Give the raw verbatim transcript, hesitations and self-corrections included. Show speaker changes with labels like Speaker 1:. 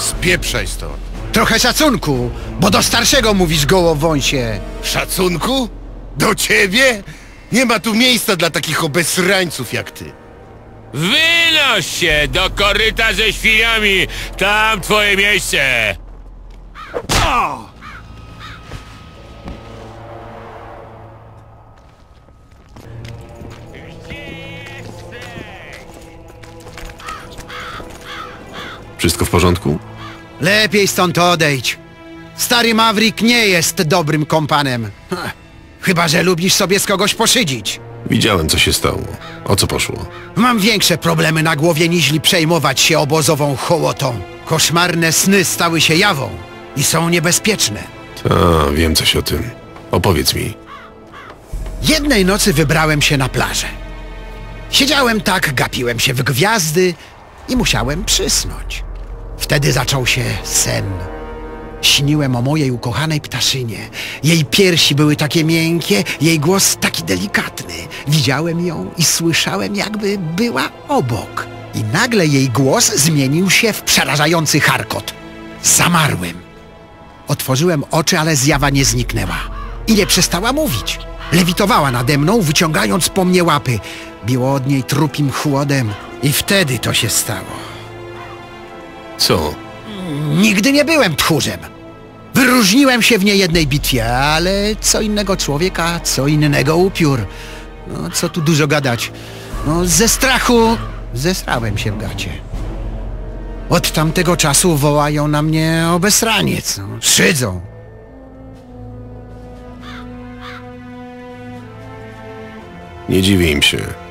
Speaker 1: Spieprzaj stąd.
Speaker 2: Trochę szacunku, bo do starszego mówisz gołowąsie.
Speaker 1: Szacunku? Do ciebie? Nie ma tu miejsca dla takich obesrańców jak ty.
Speaker 3: Wynoś się do koryta ze świniami! Tam twoje miejsce!
Speaker 1: O!
Speaker 4: Wszystko w porządku?
Speaker 2: Lepiej stąd odejdź. Stary Maverick nie jest dobrym kompanem. Ha, chyba że lubisz sobie z kogoś poszydzić.
Speaker 4: Widziałem, co się stało. O co poszło?
Speaker 2: Mam większe problemy na głowie, niźli przejmować się obozową hołotą. Koszmarne sny stały się jawą i są niebezpieczne.
Speaker 4: A, wiem coś o tym. Opowiedz mi.
Speaker 2: Jednej nocy wybrałem się na plażę. Siedziałem tak, gapiłem się w gwiazdy i musiałem przysnąć. Wtedy zaczął się sen. Śniłem o mojej ukochanej ptaszynie. Jej piersi były takie miękkie, jej głos taki delikatny. Widziałem ją i słyszałem, jakby była obok. I nagle jej głos zmienił się w przerażający charkot. Zamarłem. Otworzyłem oczy, ale zjawa nie zniknęła. I nie przestała mówić. Lewitowała nade mną, wyciągając po mnie łapy. Biło od niej trupim chłodem. I wtedy to się stało.
Speaker 4: Co?
Speaker 2: Nigdy nie byłem tchórzem. Wyróżniłem się w niejednej bitwie, ale co innego człowieka, co innego upiór. No, co tu dużo gadać. No, ze strachu zesrałem się w gacie. Od tamtego czasu wołają na mnie obesraniec. No, szydzą.
Speaker 4: Nie dziwię im się.